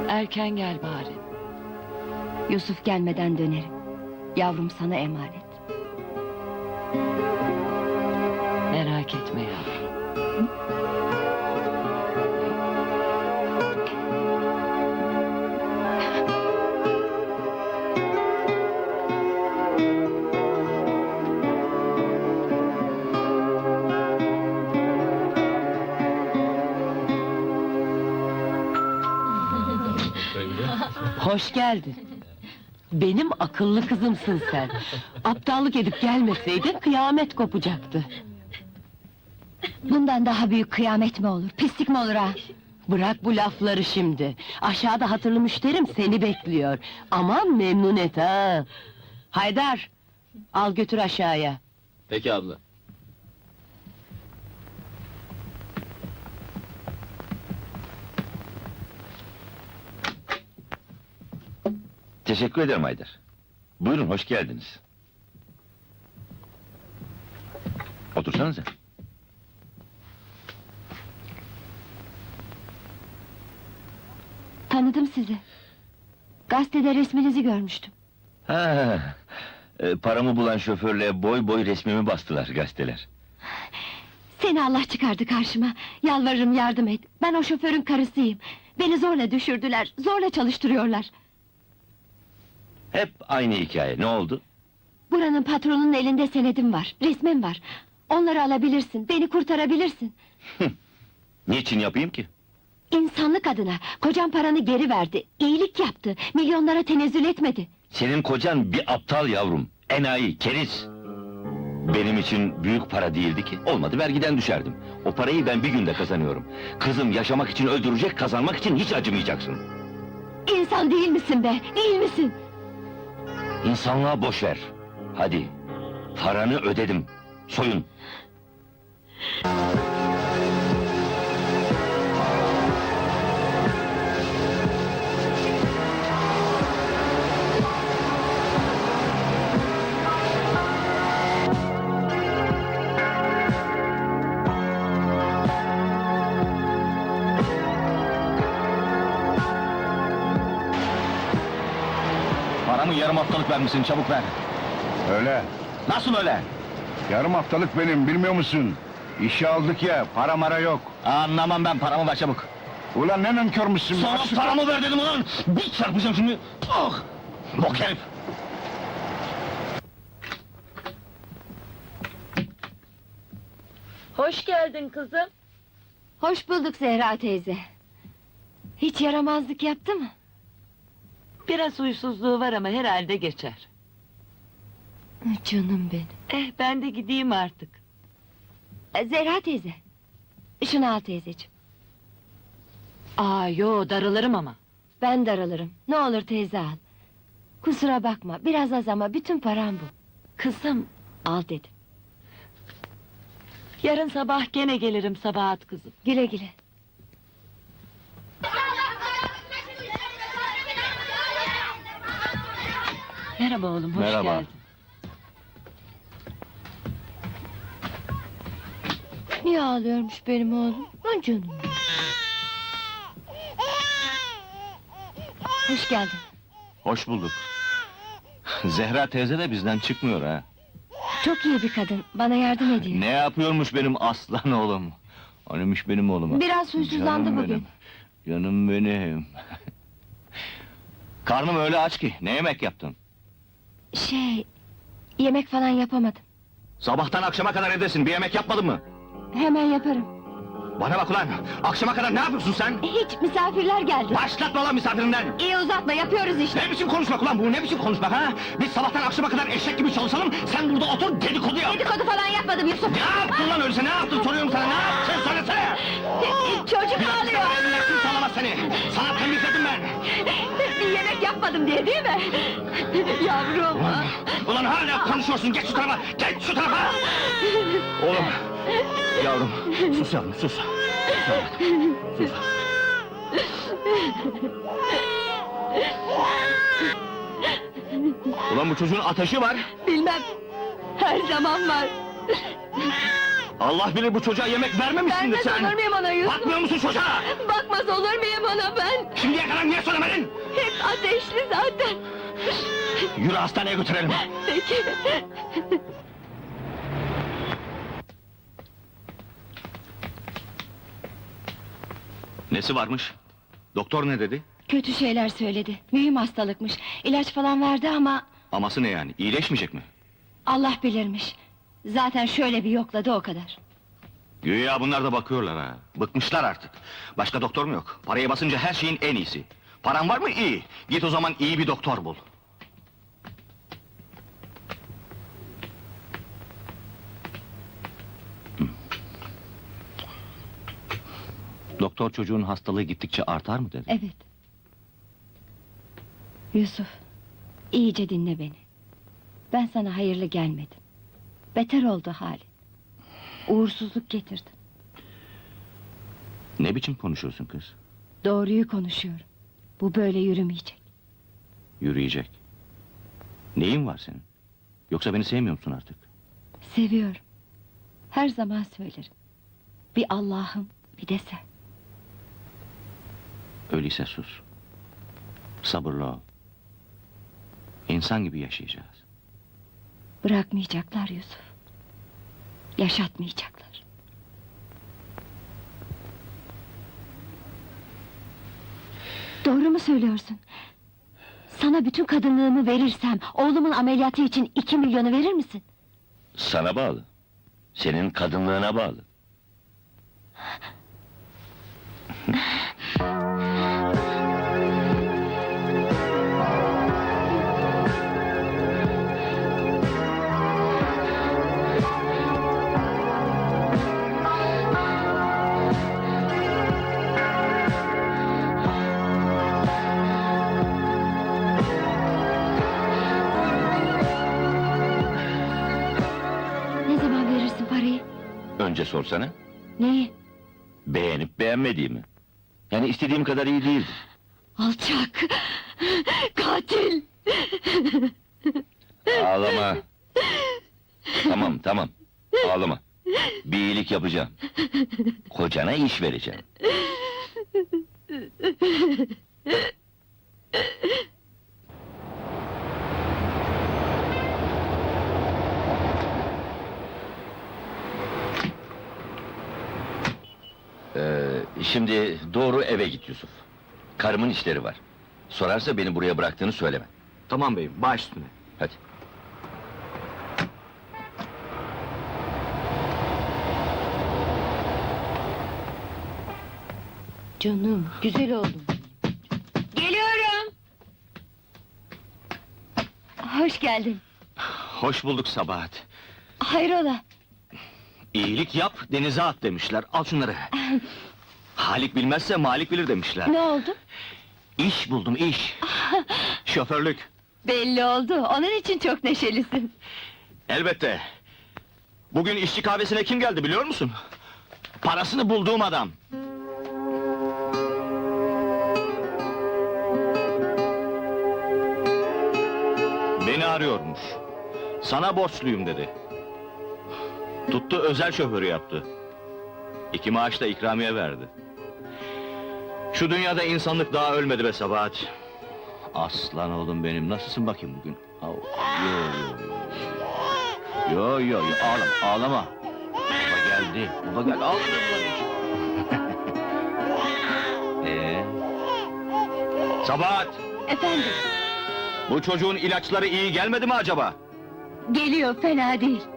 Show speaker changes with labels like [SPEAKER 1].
[SPEAKER 1] Erken gel bari.
[SPEAKER 2] Yusuf gelmeden dönerim. Yavrum sana emanet.
[SPEAKER 1] Merak etme yavrum. Hoş geldin. Benim akıllı kızımsın sen. Aptallık edip gelmeseydin kıyamet kopacaktı.
[SPEAKER 2] Bundan daha büyük kıyamet mi olur, pislik mi olur ha?
[SPEAKER 1] Bırak bu lafları şimdi. Aşağıda hatırlı müşterim seni bekliyor. Aman memnun et ha. Haydar, al götür aşağıya.
[SPEAKER 3] Peki abla.
[SPEAKER 4] Teşekkür ederim Haydar. Buyurun, hoş geldiniz. Otursanıza.
[SPEAKER 2] Tanıdım sizi. Gazetede resminizi görmüştüm.
[SPEAKER 4] Ha, paramı bulan şoförle boy boy resmimi bastılar gazeteler.
[SPEAKER 2] Seni Allah çıkardı karşıma. Yalvarırım yardım et. Ben o şoförün karısıyım. Beni zorla düşürdüler, zorla çalıştırıyorlar.
[SPEAKER 4] Hep aynı hikaye, ne oldu?
[SPEAKER 2] Buranın patronunun elinde senedim var, resmim var. Onları alabilirsin, beni kurtarabilirsin.
[SPEAKER 4] Niçin yapayım ki?
[SPEAKER 2] İnsanlık adına, kocam paranı geri verdi, iyilik yaptı, milyonlara tenezzül etmedi.
[SPEAKER 4] Senin kocan bir aptal yavrum, enayi, keriz. Benim için büyük para değildi ki, olmadı vergiden düşerdim. O parayı ben bir günde kazanıyorum. Kızım yaşamak için öldürecek, kazanmak için hiç acımayacaksın.
[SPEAKER 2] İnsan değil misin be, değil misin?
[SPEAKER 4] İnsanlığa boş ver. Hadi, paranı ödedim, soyun.
[SPEAKER 3] Paramı yarım haftalık vermişsin, çabuk ver.
[SPEAKER 5] Öyle.
[SPEAKER 3] Nasıl öyle?
[SPEAKER 5] Yarım haftalık benim, bilmiyor musun? İşe aldık ya, para mara yok.
[SPEAKER 3] Anlamam ben, paramı ver çabuk.
[SPEAKER 5] Ulan ne nankörmüşsün?
[SPEAKER 3] Sana
[SPEAKER 5] Açık-
[SPEAKER 3] paramı ver dedim ulan! Bir çarpacağım şimdi! Ah! Bok herif!
[SPEAKER 1] Hoş geldin kızım.
[SPEAKER 2] Hoş bulduk Zehra teyze. Hiç yaramazlık yaptı mı?
[SPEAKER 1] Biraz huysuzluğu var ama herhalde geçer.
[SPEAKER 2] Canım benim.
[SPEAKER 1] Ben de gideyim artık.
[SPEAKER 2] Zehra teyze. Şunu al teyzeciğim.
[SPEAKER 1] Yo, darılırım ama.
[SPEAKER 2] Ben daralırım. Ne olur teyze al. Kusura bakma, biraz az ama bütün param bu.
[SPEAKER 1] Kızım,
[SPEAKER 2] Al dedim.
[SPEAKER 1] yarın sabah gene gelirim Sabahat kızım.
[SPEAKER 2] Güle güle.
[SPEAKER 1] Merhaba oğlum, hoş
[SPEAKER 4] Merhaba.
[SPEAKER 1] geldin.
[SPEAKER 2] Niye ağlıyormuş benim oğlum? Lan canım. Hoş geldin.
[SPEAKER 3] Hoş bulduk. Zehra teyze de bizden çıkmıyor ha.
[SPEAKER 2] Çok iyi bir kadın, bana yardım ediyor.
[SPEAKER 3] Ne yapıyormuş benim aslan oğlum? Anıymış benim oğlum.
[SPEAKER 2] Biraz huysuzlandı
[SPEAKER 3] Canım
[SPEAKER 2] bugün.
[SPEAKER 3] benim, canım benim. Karnım öyle aç ki, ne yemek yaptın?
[SPEAKER 2] Yemek falan yapamadım.
[SPEAKER 3] Sabahtan akşama kadar evdesin, bir yemek yapmadın mı?
[SPEAKER 2] Hemen yaparım.
[SPEAKER 3] Bana bak ulan, akşama kadar ne yapıyorsun sen?
[SPEAKER 2] Hiç, misafirler geldi.
[SPEAKER 3] Başlatma lan misafirinden!
[SPEAKER 2] İyi uzatma, yapıyoruz işte.
[SPEAKER 3] Ne biçim konuşmak ulan bu, ne biçim konuşmak ha? Biz sabahtan akşama kadar eşek gibi çalışalım, sen burada otur dedikodu yap!
[SPEAKER 2] Dedikodu falan yapmadım Yusuf.
[SPEAKER 3] Ne yaptın lan öyleyse, ne yaptın soruyorum sana, ne yaptın söylesene!
[SPEAKER 2] Çocuk ağlıyor.
[SPEAKER 3] Emniyetin sağlamaz seni! Sana temizledim ben!
[SPEAKER 2] Bir yemek yapmadım diye değil mi? Yavrum.
[SPEAKER 3] Ulan hala konuşuyorsun, geç şu tarafa, geç şu tarafa! Oğlum, yavrum, sus yavrum, sus! Sus yavrum, sus! Ulan bu çocuğun ateşi var!
[SPEAKER 2] Bilmem. Her zaman var.
[SPEAKER 3] Allah bilir bu çocuğa yemek vermemişsindir
[SPEAKER 2] Vermez
[SPEAKER 3] sen!
[SPEAKER 2] olur muyum ona Yusuf?
[SPEAKER 3] Bakmıyor musun çocuğa?
[SPEAKER 2] Bakmaz olur muyum ona ben?
[SPEAKER 3] Şimdiye kadar niye söylemedin?
[SPEAKER 2] Hep ateşli zaten.
[SPEAKER 3] Yürü hastaneye götürelim!
[SPEAKER 2] Peki.
[SPEAKER 3] Nesi varmış? Doktor ne dedi?
[SPEAKER 2] Kötü şeyler söyledi. Mühim hastalıkmış. İlaç falan verdi ama
[SPEAKER 3] Aması ne yani? İyileşmeyecek mi?
[SPEAKER 2] Allah bilirmiş. Zaten şöyle bir yokladı o kadar.
[SPEAKER 3] Güya bunlar da bakıyorlar ha. Bıkmışlar artık. Başka doktor mu yok? Paraya basınca her şeyin en iyisi. Paran var mı? İyi. Git o zaman iyi bir doktor bul. Doktor çocuğun hastalığı gittikçe artar mı dedi?
[SPEAKER 2] Evet. Yusuf, iyice dinle beni. Ben sana hayırlı gelmedim. Beter oldu halin. Uğursuzluk getirdim.
[SPEAKER 3] Ne biçim konuşuyorsun kız?
[SPEAKER 2] Doğruyu konuşuyorum. Bu böyle yürümeyecek.
[SPEAKER 3] Yürüyecek. Neyin var senin? Yoksa beni sevmiyor musun artık?
[SPEAKER 2] Seviyorum. Her zaman söylerim. Bir Allah'ım, bir de sen.
[SPEAKER 3] Öyleyse sus. Sabırlı ol. İnsan gibi yaşayacağız.
[SPEAKER 2] Bırakmayacaklar Yusuf. Yaşatmayacaklar. Doğru mu söylüyorsun? Sana bütün kadınlığımı verirsem, oğlumun ameliyatı için 2 milyonu verir misin?
[SPEAKER 4] Sana bağlı. Senin kadınlığına bağlı.
[SPEAKER 2] Ne zaman verirsin parayı?
[SPEAKER 4] Önce sorsana.
[SPEAKER 2] Neyi?
[SPEAKER 4] Beğenip beğenmediğimi. Yani istediğim kadar iyi değildi.
[SPEAKER 2] Alçak! Katil!
[SPEAKER 4] Ağlama. Tamam, tamam. Ağlama. Bir iyilik yapacağım. Kocana iş vereceğim. Şimdi doğru eve git Yusuf. Karımın işleri var. Sorarsa beni buraya bıraktığını söyleme.
[SPEAKER 3] Tamam beyim, baş üstüne.
[SPEAKER 4] Hadi.
[SPEAKER 1] Canım, güzel oğlum.
[SPEAKER 2] Geliyorum! Hoş geldin.
[SPEAKER 3] Hoş bulduk Sabahat.
[SPEAKER 2] Hayrola?
[SPEAKER 3] İyilik yap, denize at demişler. Al şunları. Halik bilmezse Malik bilir demişler.
[SPEAKER 2] Ne oldu?
[SPEAKER 3] İş buldum, iş. Şoförlük.
[SPEAKER 2] Belli oldu, onun için çok neşelisin.
[SPEAKER 3] Elbette. Bugün işçi kahvesine kim geldi biliyor musun? Parasını bulduğum adam. Beni arıyormuş. Sana borçluyum dedi. Tuttu özel şoförü yaptı. 2 maaş da ikramiye verdi. Şu dünyada insanlık daha ölmedi be Sabahat. Aslan oğlum benim, nasılsın bakayım bugün? Yo yo yo, ağlama, ağlama. Baba geldi, baba geldi, ağlama. Sabahat,
[SPEAKER 2] Efendim,
[SPEAKER 3] bu çocuğun ilaçları iyi gelmedi mi acaba?
[SPEAKER 2] geliyor, fena değil.